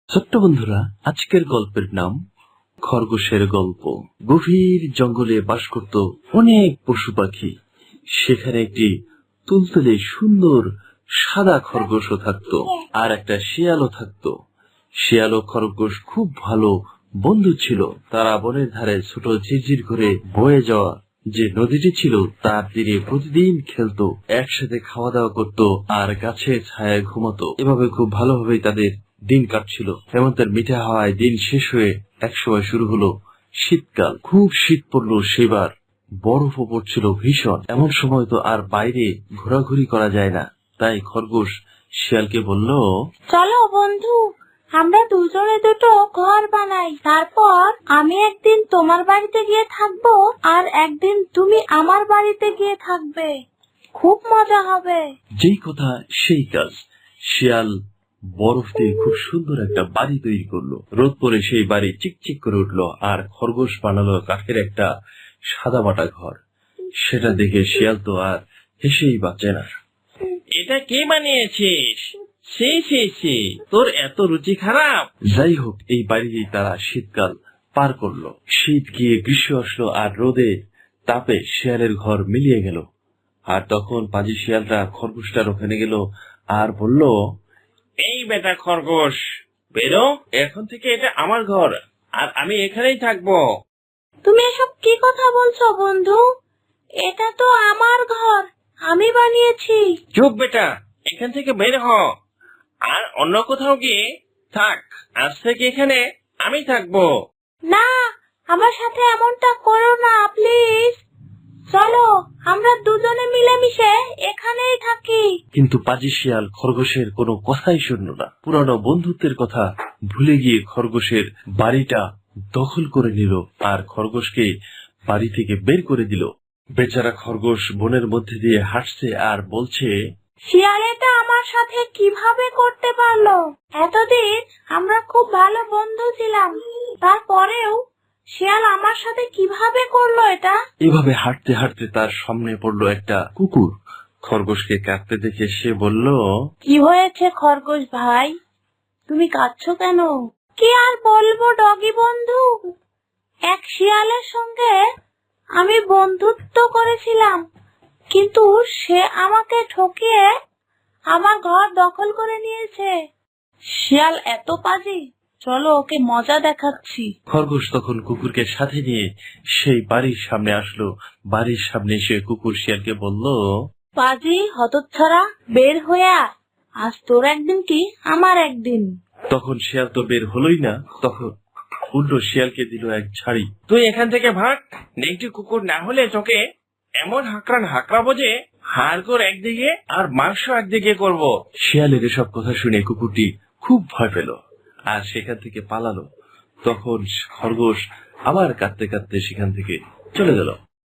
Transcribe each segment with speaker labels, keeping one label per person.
Speaker 1: ছোট্ট বন্ধুরা, আজকের গল্পের নাম খরগোশের গল্প। গভীর জঙ্গলে বাস করত অনেক পশু পাখি। সেখানে একটি তুলতুলে সুন্দর সাদা খরগোশও থাকতো, আর একটা শিয়ালও থাকতো। শিয়াল ও খরগোশ খুব ভালো বন্ধু ছিল। তারা বনের ধারে ছোট ঝিরঝির করে বয়ে যাওয়া যে নদীটি ছিল তার তীরে প্রতিদিন খেলতো, একসাথে খাওয়া দাওয়া করতো আর গাছের ছায়ায় ঘুমাতো। এভাবে খুব ভালোভাবেই তাদের দিন কাটছিল। হেমন্তের মিঠা হাওয়ায় দিন শেষ হয়ে একসময় শুরু হলো শীতকাল। খুব শীত পড়লো সেবার, বরফও পড়ছিল ভীষণ। এমন সময় তো আর বাইরে ঘোরাঘুরি করা যায় না। তাই খরগোশ শিয়ালকে বলল,
Speaker 2: চলো বন্ধু, আমরা দুজনে দুটো ঘর বানাই। তারপর আমি একদিন তোমার বাড়িতে গিয়ে থাকবো আর একদিন তুমি আমার বাড়িতে গিয়ে থাকবে। খুব মজা হবে।
Speaker 1: যেই কথা সেই কাজ। শিয়াল বরফ দিয়ে খুব সুন্দর একটা বাড়ি তৈরি করলো। রোদ পরে সেই বাড়ি চিকচিক করে উঠলো, আর খরগোশ বানালো কাঠের একটা সাদামাটা ঘর। সেটা দেখে শিয়াল তো আর হেসেই বাঁচে না।
Speaker 3: এটা কে বানিয়েছিস? সে তোর এত রুচি খারাপ?
Speaker 1: যাই হোক, এই বাড়িতেই তারা শীতকাল পার করলো। শীত গিয়ে গ্রীষ্ম আসলো, আর রোদে তাপে শিয়ালের ঘর মিলিয়ে গেল। আর তখন পাজি শিয়ালটা খরগোশটার ওখানে গেল আর বলল,
Speaker 3: এই বেটা খরগোশ, বেরো এখন থেকে। এটা আমার ঘর আর আমি এখানেই থাকবো।
Speaker 2: তুমি এসব কি কথা বলছো বন্ধু? এটা তো আমার ঘর, আমি বানিয়েছি।
Speaker 3: চুপ বেটা, এখান থেকে বের হ আর অন্য কোথাও গিয়ে থাক। আজ থেকে এখানে আমি থাকবো।
Speaker 2: না, আমার সাথে এমনটা করো না প্লিজ। চলো আমরা দুজনে মিলেমিশে এখানেই থাকি।
Speaker 1: কিন্তু পাজি শিয়াল খরগোশের কোনো কথাই শুনল না। পুরানো বন্ধুত্বের কথা ভুলে গিয়ে খরগোশের বাড়িটা দখল করে নিল আর খরগোশকে বাড়ি থেকে বের করে দিল। বেচারা খরগোশ বনের মধ্যে দিয়ে হাঁটছে আর বলছে,
Speaker 2: শিয়াল এটা আমার সাথে কিভাবে করতে পারলো? এতদিন আমরা খুব ভালো বন্ধু ছিলাম, তারপরেও শিয়াল আমার সাথে কিভাবে করলো এটা?
Speaker 1: এভাবে হাঁটতে হাঁটতে তার সামনে পড়লো একটা কুকুর। খরগোশকে কাঁদতে দেখে সে বলল,
Speaker 2: কি হয়েছে খরগোশ ভাই, তুমি কাঁদছো কেন? কি আর বলবো ডগি বন্ধু, এক শিয়ালের সঙ্গে আমি বন্ধুত্ব করেছিলাম, কিন্তু সে আমাকে ঠকিয়ে আমার ঘর দখল করে নিয়েছে। শিয়াল এত পাজি, চলো ওকে মজা দেখাচ্ছি।
Speaker 1: খরগোশ তখন কুকুরকে সাথে নিয়ে সেই বাড়ির সামনে আসলো। বাড়ির সামনে এসে কুকুর শিয়ালকে বলল,
Speaker 2: পাজি হতচ্ছাড়া, বের হয়ে আয়, আজ তোর একদিন কি আমার একদিন।
Speaker 1: তখন শিয়াল তো বের হলোই না। তখন উল্টো শিয়ালকে দিল এক ঝাড়ি।
Speaker 3: তুই এখান থেকে ভাগ, নেংটি কুকুর না হলে তোকে এমন হাঁকড়াবো যে হাড়গোড় একদিকে আর মাংস একদিকে করব।
Speaker 1: শিয়ালের এসব কথা শুনে কুকুরটি খুব ভয় পেল আর সেখান থেকে পালালো। তখন খরগোশ আবার কাঁদতে কাঁদতে সেখান থেকে চলে গেল।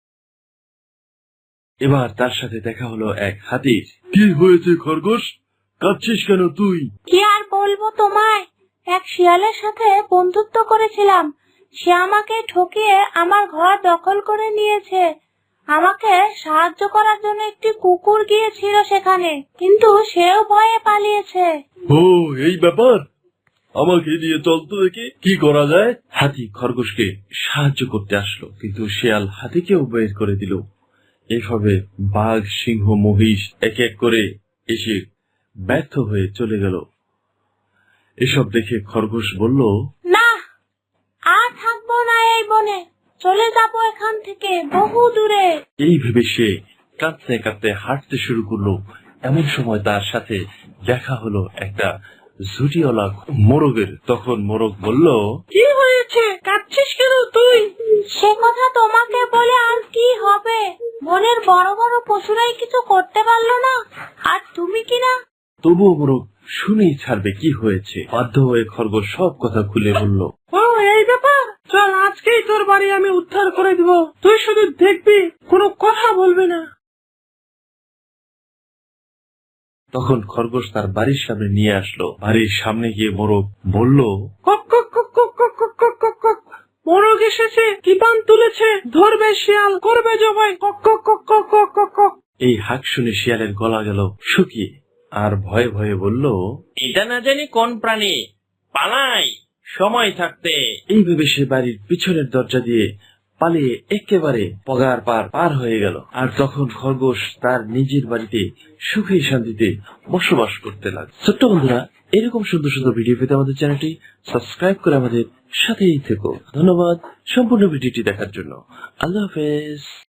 Speaker 1: এবার তার সাথে দেখা হলো এক হাতির। কি হয়েছে খরগোশ, কাঁদছিস কেন তুই?
Speaker 2: কি আর বলবো তোমায়, এক শিয়ালের সাথে বন্ধুত্ব করেছিলাম, সে আমাকে ঠকিয়ে আমার ঘর দখল করে নিয়েছে। আমাকে সাহায্য করার জন্য একটি কুকুর গিয়েছিল সেখানে, কিন্তু সেও ভয়ে পালিয়েছে।
Speaker 1: ও, এই ব্যাপার, আমাকে নিয়ে চল তো দেখি কি করা যায়। হাতি খরগোশকে সাহায্য করতে আসলো, কিন্তু শিয়াল হাতিকেও বের করে দিল। এইভাবে বাঘ, সিংহ, মহিষ এক এক করে এসে ব্যর্থ হয়ে চলে গেল। এসব দেখে খরগোশ বলল,
Speaker 2: না, আর থাকবো না এই বনে, চলে যাবো এখান থেকে বহু দূরে।
Speaker 1: এই ভেবে সে কাঁদতে কাঁদতে হাঁটতে শুরু করলো। এমন সময় তার সাথে দেখা হলো একটা ঝুটিওয়ালা মোরগের। তখন মোরগ বলল,
Speaker 2: কি হয়েছে, কাঁদছিস কেন তুই? সে কথা তোমাকে বলে আর কি হবে, বনের বড় বড় পশুরাই কিছু করতে পারলো না, আর তুমি কিনা।
Speaker 1: তবুও মোরগ শুনেই ছাড়বে কি হয়েছে। বাধ্য হয়ে খরগোশ সব কথা খুলে বলল।
Speaker 2: ও, এই ব্যাপার, চল আজকেই তোর বাড়ি আমি উদ্ধার করে দিব, তুই শুধু দেখবি, কোনো কথা বলবি না।
Speaker 1: তখন খরগোশ তার বাড়ির সামনে নিয়ে আসলো। বাড়ির সামনে গিয়ে মোরগ বলল,
Speaker 2: মোরগ এসেছে, কি পান তুলেছে, ধরবে শিয়াল, করবে জবাই।
Speaker 1: এই হাঁক শুনে শিয়ালের গলা গেল শুকিয়ে, আর ভয়ে ভয়ে বলল,
Speaker 3: এটা না জানি কোন প্রাণী পালাই সময় থাকতে।
Speaker 1: এইভাবে সে বাড়ির পিছনের দরজা দিয়ে পালিয়ে একেবারে পগার পার হয়ে গেল। আর তখন খরগোশ তার নিজের বাড়িতে সুখে শান্তিতে বসবাস করতে লাগলো। ছোট্ট বন্ধুরা, এরকম সুন্দর সুন্দর ভিডিও পেতে আমাদের চ্যানেলটি সাবস্ক্রাইব করে আমাদের সাথেই থেকো। ধন্যবাদ সম্পূর্ণ ভিডিওটি দেখার জন্য। আল্লাহ হাফেজ।